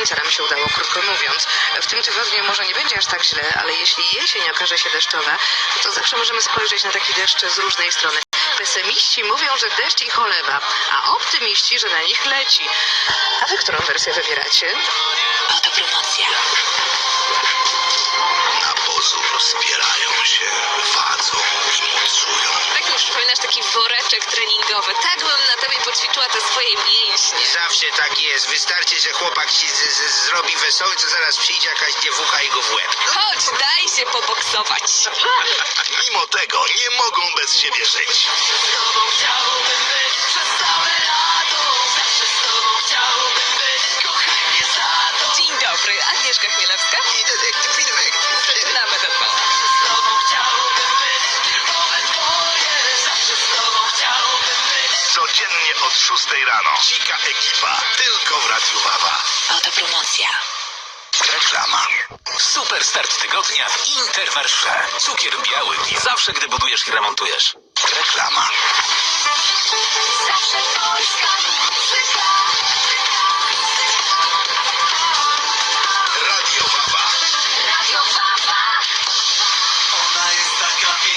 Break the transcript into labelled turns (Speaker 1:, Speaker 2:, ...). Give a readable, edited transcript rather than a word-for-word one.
Speaker 1: Słońca nam się udało, krótko mówiąc. W tym tygodniu może nie będzie aż tak źle, ale jeśli jesień okaże się deszczowa, to zawsze możemy spojrzeć na taki deszcz z różnej strony. Pesymiści mówią, że deszcz ich olewa, a optymiści, że na nich leci. A wy którą wersję wybieracie?
Speaker 2: Autopromocja.
Speaker 3: Na pozór rozpierają się, wadzą i mocują.
Speaker 2: Tak mi przypominasz taki woreczek treningowy. Tak bym na tobie poćwiczyła te swoje mięśnie.
Speaker 4: Zawsze tak jest. Wystarczy, że chłopak ci zrobi wesoły, to zaraz przyjdzie jakaś dziewucha i go w łeb.
Speaker 2: Chodź, daj się poboksować.
Speaker 3: Mimo tego nie mogą bez siebie żyć.
Speaker 2: Dzień dobry, Agnieszka Chmielewska.
Speaker 4: I detektyw Finwektyw.
Speaker 2: Zaczynamy ten pan.
Speaker 3: Codziennie od 6 rano. Dzika ekipa. Tylko w Radiu Wawa.
Speaker 2: Autopromocja.
Speaker 3: Reklama.
Speaker 5: Super start tygodnia w Intermarché. Cukier biały i zawsze, gdy budujesz i remontujesz.
Speaker 3: Reklama.